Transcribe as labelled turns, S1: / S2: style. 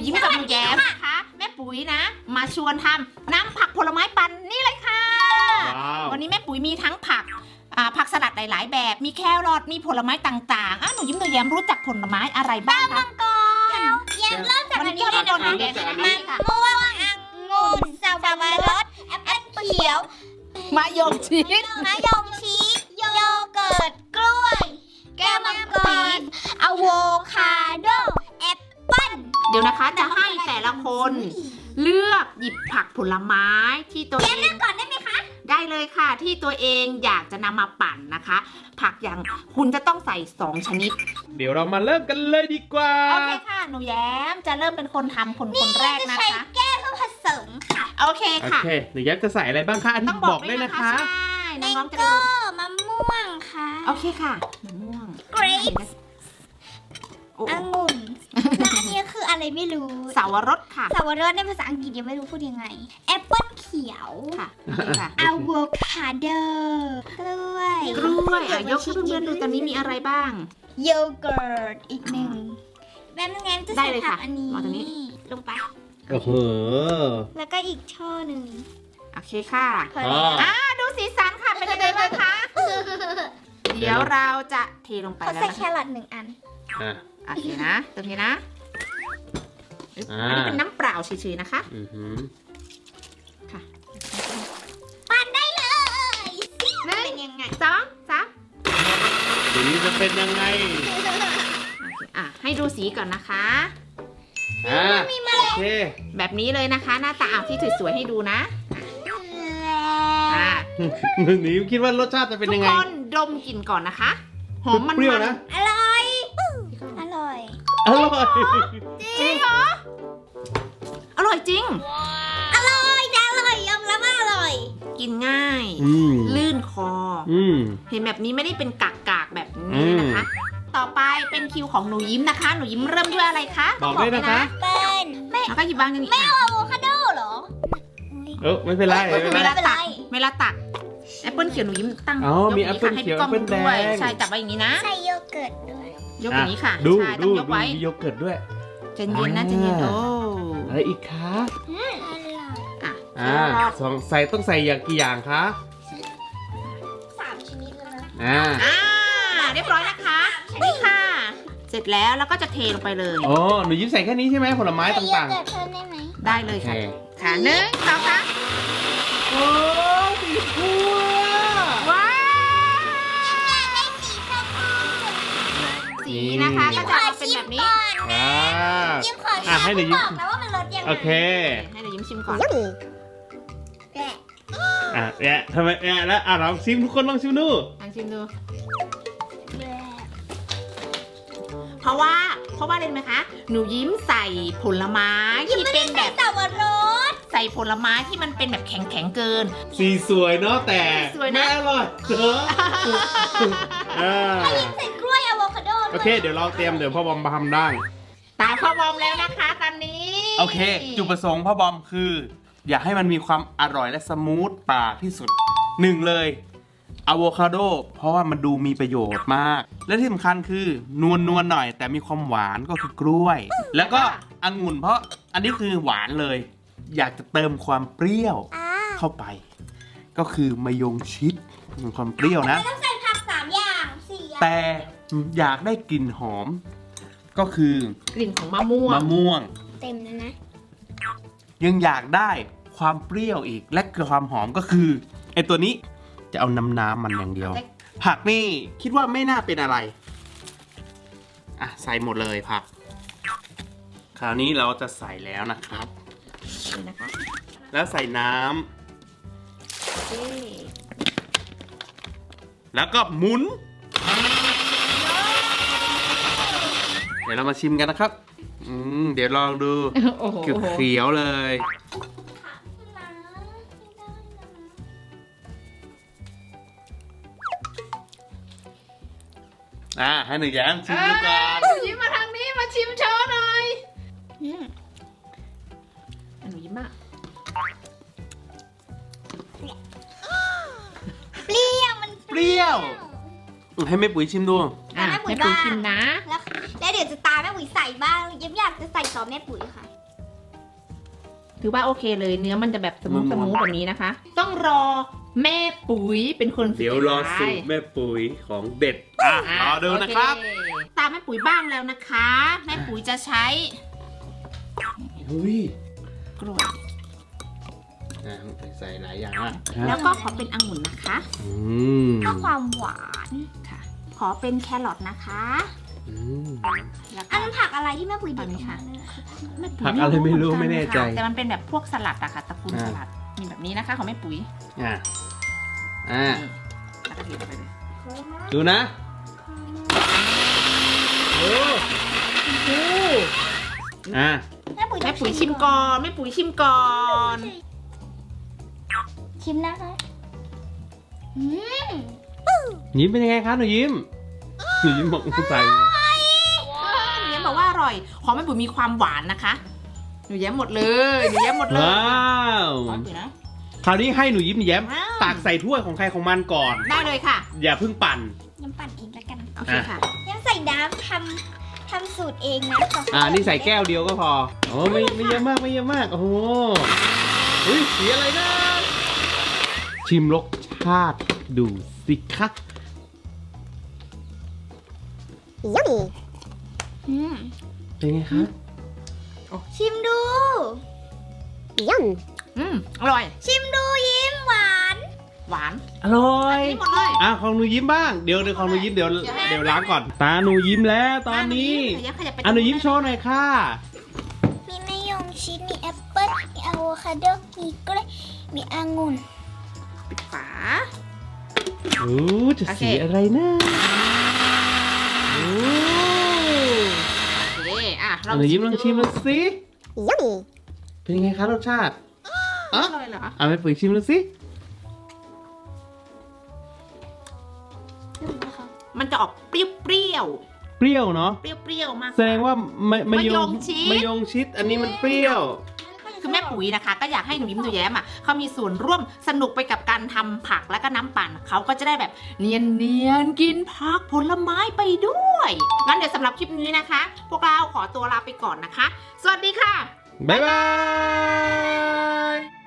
S1: ยิ้มกับหนูแย้มนะคะแม่ปุ๋ยนะ มาชวนทำน้ำผักผลไม้ปั่นนี่เลยค่ะวันนี้แม่ปุ๋ยมีทั้งผักสลัดหลายๆแบบมีแครอทมีผลไม้ต่างๆหนูยิ้มหนูแย้มรู้จักผลไม้อะไรบ้างคะ
S2: แย้มเริ่มจากอันนี้เลยนะคะ
S1: มัน
S2: ม่วงองุ่นสับปะรดแอปเปิ้ลเขียว
S1: มะยงชิด
S2: มะยงชิดโยเกิร์ตกล้วย แก้วมังกรอะโวคาโดแอปเปิ้ล
S1: เดี๋ยวนะคะจะให้แต่ละคนเลือกหยิบผักผลไม้ที่ตัวเอง
S2: เลือกก่อนได้ไหมคะ
S1: ได้เลยค่ะที่ตัวเองอยากจะนำมาปั่นนะคะ ผักอย่างคุณจะต้องใส่2ชนิด
S3: เดี๋ยวเรามาเริ่มกันเลยดีกว่า
S1: โอเคค่ะหนูแย้มจะเริ่มเป็นคนทำคนแรกนะ
S2: ใช้
S1: คะ
S2: แก้วเพื่อผสมค่ะ
S1: โอเค
S3: โอ
S1: ค่ะ
S3: เคหนูแย้มจะใส่อะไรบ้างคะอัน
S1: ต้
S3: นี้
S1: อง
S3: บบ อ
S1: อก ก
S3: ด้
S1: ด้
S3: ว
S1: วย ย
S3: นะ
S1: นะคะ คะใช่น้องๆจะได้
S2: ก็
S1: รู้
S2: มะม่วงค่ะ
S1: โอเคค่ะมะม่วง
S2: grapes
S1: โอ้
S2: องุ่นและอันนี้คืออะไรไม่รู้
S1: สาวรสค่ะ
S2: สาวรสในภาษาอังกฤษยังไม่รู้พูดยังไงแอปเปิ้ลเขียว
S1: ค่ะโอเคค่ะ
S2: อะโวคาโดกล้วย
S1: กล้วยยกให้เพื่อนๆดูตอนนี้มีอะไรบ้าง
S2: โยเกิร์ตอีกหนึ่งแม่งั้นจะ
S1: ได้
S2: ใส่
S1: เลย
S2: ผั
S1: ค่ะ
S2: กอันนี้
S1: วางตรงนี้
S2: ลงไป
S3: โอ้โห
S2: แล้วก็อีกช่อหนึ่ง
S1: โอเคค่ะ
S2: พอ
S3: อ๋
S2: แล้ว
S3: อ
S1: ดูสีสันค่ะเป็นยังไงบ้างคะเดี๋ยวเราจะเทลงไป
S2: เขา
S1: แล้ว
S2: ใส่
S1: นะ
S2: แค
S1: คะ
S2: รอท1 อัน
S3: อ่ะ
S1: โอเคนะตรงนี้นะอึ๊บ
S3: อ่า
S1: อันนี้เป็นน้ำเปล่าเฉยๆนะคะ
S3: อือหือ
S1: ค่ะ
S2: ปั่นได้เลย
S1: หนึ่ง
S2: เป็นยังไง
S1: สองสาม
S3: ทีนี้จะเป็นยังไง
S1: โอเคให้ดูสีก่อนนะคะ
S3: อ่าโอเค
S1: แบบนี้เลยนะคะ หน้าตาที่สวยๆให้ดูนะอ่า
S3: หนูคิดว่ารสชาติจะเป็น
S1: ทุ
S3: ยั
S1: ก
S3: งไง
S1: คนดมกลิ่นก่อนนะคะ หอมมัน
S3: เปรี้ยวนะ
S2: อร่อย อร่อย
S3: อร่อย
S1: จริงเหรออร่อยจริง
S2: อร่อยนะอร่อยยอมรับว่าอร่อย
S1: กินง่าย
S3: อืม
S1: ลื่นคอ
S3: อืม
S1: เห็นแบบนี้ไม่ได้เป็นกากๆแบบนี้นะคะ ต่อไปเป็นคิวของหนูยิ้มนะคะ หนูยิ้มเริ่มด้วยอะไรคะ
S3: บอกด้วยนะคะ
S2: เป็นไม่
S1: แล้วก็หยิบวางอย่างนี้
S2: เอาอะโวคาโดเหรอ
S3: ไม่เป็นไรไม่เป็น
S1: เว
S3: ไร
S1: ลาตักเวลาตักแอปเปิลเขียวหนูยิ้มตั้ง
S3: อ๋อย
S1: ก
S3: มี
S1: ย่างนี้
S3: แอปเปิ้ล
S1: ค่ะให้
S3: เขียว
S1: พี่ก้อง
S3: แอปเปิ้ล
S1: ดูด้วย
S3: แดง
S1: ใช่จับไว้อย่างนี้นะ
S2: ใส่โยเกิร์ตด้วย
S1: ยกอย่างนี้ค่ะ
S3: ดู
S1: ใช่ต้
S3: ดู
S1: องยก
S3: ดู
S1: ไว้
S3: มีโยเกิร์ตด้วย
S1: ใจเย็นนะใจเย็นโอ้
S3: อะไรอีกคะ
S2: อร่อย
S1: อ่ะ
S3: ต้องใส่อย่างกี่อย่างคะ
S2: 3 ชนิดแล้วนะ
S3: อ่า
S1: เรียบร้อยนะคะนี่ค่ะ เสร็จแล้วก็จะเทลงไปเลย
S3: อ๋อหนูยิ้มใส่แค่นี้ใช่ไหมผลไม้
S2: ใส่โย
S3: ต่าง
S2: เกิร์ตเพิ่มได้ไหม
S1: ได้เลยค่ะค่ะหนึ่งสองสาม
S3: ๆโอ้สีฟูอะ
S1: ว้าว
S2: ได้สีชมพู
S1: สีนะคะก็จะเป็นแบบนี้
S3: อ่า
S2: ยิ้มขอชิม
S3: ให้หนูยิ้ม
S2: บอกนะว่ามันรสยังไง
S3: โอเค
S1: ให้หนูยิ้มชิมก่อน
S2: แกะ
S3: เนี่ยทำไมแล้วลองชิมทุกคนลองชิมดู
S1: ลองชิมดู
S2: แกะ
S1: เพราะว่าอะไรรู้ไหมคะ หนูยิ้มใส่ผลไม้ที่เป็นแบบ
S2: สับปะรด
S1: ใส่ผลไม้ที่มันเป็นแบบแข็งๆเกิน
S3: สีสวยเนาะแต่
S1: สวยนะ
S3: ไม่อร่อยเนอะอ่า
S2: ใส่กล้วยอะโวคาโดด้วย
S3: โอเค เดี๋ยวเราเตรียมเดี๋ยวพ่อบอมมาทำได้
S1: ตามพ่อบอมแล้วนะคะตอนนี้
S3: โอเค จุดประสงค์พ่อบอมคือ อยากให้มันมีความอร่อยและสมูทปากที่สุดหนึ่งเลยอะโวคาโดเพราะว่ามันดูมีประโยชน์มาก และที่สำคัญคือนวลหน่อย แต่มีความหวานก็คือกล้วย แล้วก็องุ่นเพราะอันนี้คือหวานเลย อยากจะเติมความเปรี้ยว
S2: อ่า
S3: เข้าไป ก็คือมะยงชิดความเปรี้ยวนะ
S2: ต้องใส่ผัก3 อย่าง4 อย่าง
S3: แต่อยากได้กลิ่นหอม ก็คือก
S1: ลิ่นของมะม่วง
S3: มะม่วง
S2: เต็มแล้วนะ
S3: ยังอยากได้ความเปรี้ยวอีก และความหอมก็คือไอตัวนี้จะเอาน้ำมันอย่างเดียว ผักนี่คิดว่าไม่น่าเป็นอะไร อ่ะใส่หมดเลยผัก คราวนี้เราจะใส่แล้วนะครับ
S1: นี่นะคะ
S3: แล้วใส่น้
S1: โอเค
S3: ำแล้วก็หมุน เดี๋ยวเรามาชิมกันนะครับ เดี๋ยวลองดู
S1: โอ้โห
S3: เขียวๆเลย ให้หนูแย้มชิมดูก่อน
S1: หนูยิ้มมาทางนี้มาชิมโชว์หน่อยหนูยิ้มอ่ะ
S2: เปรี้ยวมัน
S3: เปรี้ยว ให้แม่ปุ๋ยชิมดู
S1: ให้ปุ๋ยชิมนะ
S2: แล้วเดี๋ยวจะตามแม่ปุ๋ยใส่บ้างยังอยากจะใส่ต่อแม่ปุ๋ยค่ะ
S1: ถือว่าโอเคเลยเนื้อมันจะแบบสมูทแบบนี้นะคะ ต้องรอแม่ปุ๋ยเป็นคนสุดท้าย
S3: เดี๋ยวรอสูตรแม่ปุ๋ยของเด็ดรอดูนะครับ
S1: โอเตามแม่ปุ๋ยบ้างแล้วนะคะ แม่ปุ๋ยจะใช้
S3: อุ้ย
S1: กล้วย
S3: ใส่หลายอย่าง
S1: แล้วก็ขอเป็นองุ่นนะคะ
S2: เพื่อความหวาน
S1: ค่ะ ขอเป็นแครอทนะคะ แล้ว
S2: อั
S1: ก็
S2: นนั้นผักอะไรที่แม่ปุ๋ยเด็ด
S1: อันนี้
S2: ออก
S1: ค่ะ
S2: มาเนี่ย
S1: แม่ปุ๋ย
S3: ผักอะไรไม่รู้
S1: เห
S3: ไม่
S1: กั
S3: แน่ใจ
S1: ค่ะแต่มันเป็นแบบพวกสลัดอะค่ะตระกูล
S3: อ่า
S1: สลัดมีแบบนี้นะคะของแม่ปุ๋ย
S3: อ่า
S1: นี่แล้วก็เทไปเลย
S3: ดูนะโอ้โหอ่า
S2: แม่ปุ๋ย
S1: แม่ปุ๋ยชิมก่อนแม่ปุ๋ยชิมก่อน
S2: ชิมนะคะอืม
S3: ยิ้มเป็นยังไงคะหนูยิ้มหนูยิ้มบอกไม่ใส่
S1: หนูแย้มบอกว่าอร่อย ของแม่ปุ๋ยมีความหวานนะคะ หนูแย้มหมดเลยหนูแย้มหมดเลย
S3: ว้าว
S1: ของแม่ปุ๋ยนะ
S3: คราวนี้ให้หนูยิ้มแย้ม
S1: ว้าว
S3: ตักใส่ถ้วยของใครของมันก่อน
S1: ได้เลยค่ะ
S3: อย่าเพิ่งปั่น
S2: น้ำปั่นเองแล้วกัน
S1: โอเคค่ะ
S2: ยังใส่น้ำทำสูตรเองนะ
S3: นี่ใส่แก้วเดียวก็พอโอ้ไม่เยอะมากไม่เยอะมากโอ้โหอุ้ยสีอะไรนะ ชิมรสชาติดูสิคะ
S2: อืม
S3: เป็นไงคะ
S2: ชิมดู
S1: อร่อย
S2: ชิมดูยิ้มหวาน
S1: หวาน
S3: อร่อย
S1: นี่หมดเลย
S3: ของหนูยิ้มบ้างเดี๋ยวของหนูยิ้มเดี๋ยวล้างก่อนตาหนูยิ้มแล้วตอนนี้
S1: หนูแย้มขยับไป
S3: หนูยิ้มโชว์หน่อยค่ะ
S2: มีมะยงชิดมีแอปเปิ้ลมีอะโวคาโดมีกล้วยมีองุ่น
S1: ปิดฝา
S3: โอ้จะสีอะไรนะโอ้
S1: โอเคอ่ะ
S3: หนูยิ้มลองชิมดูสิ
S2: Yummy
S3: เป็นยังไงคะรสชาติ
S1: อร่อยเหรอ
S3: เอาไปปุ๋ยชิมดูสิ
S1: มันจะออกเปรี้ยว
S3: เปรี้ยวเนาะ
S1: เปรี้ยวมาก
S3: แสดงว่าม
S1: มะยงชิด
S3: มะยงชิดอันนี้มันเปรี้ยว
S1: คือแม่ปุ๋ยนะคะ ก็อยากให้หนูยิ้มหนูแย้มอ่ะเขามีส่วนร่วมสนุกไปกับการทำผักและก็น้ำปั่นเขาก็จะได้แบบเนียนกินผักผลไม้ไปด้วยงั้นเดี๋ยวสำหรับคลิปนี้นะคะ พวกเราขอตัวลาไปก่อนนะคะ สวัสดีค่ะ
S3: บ๊ายบาย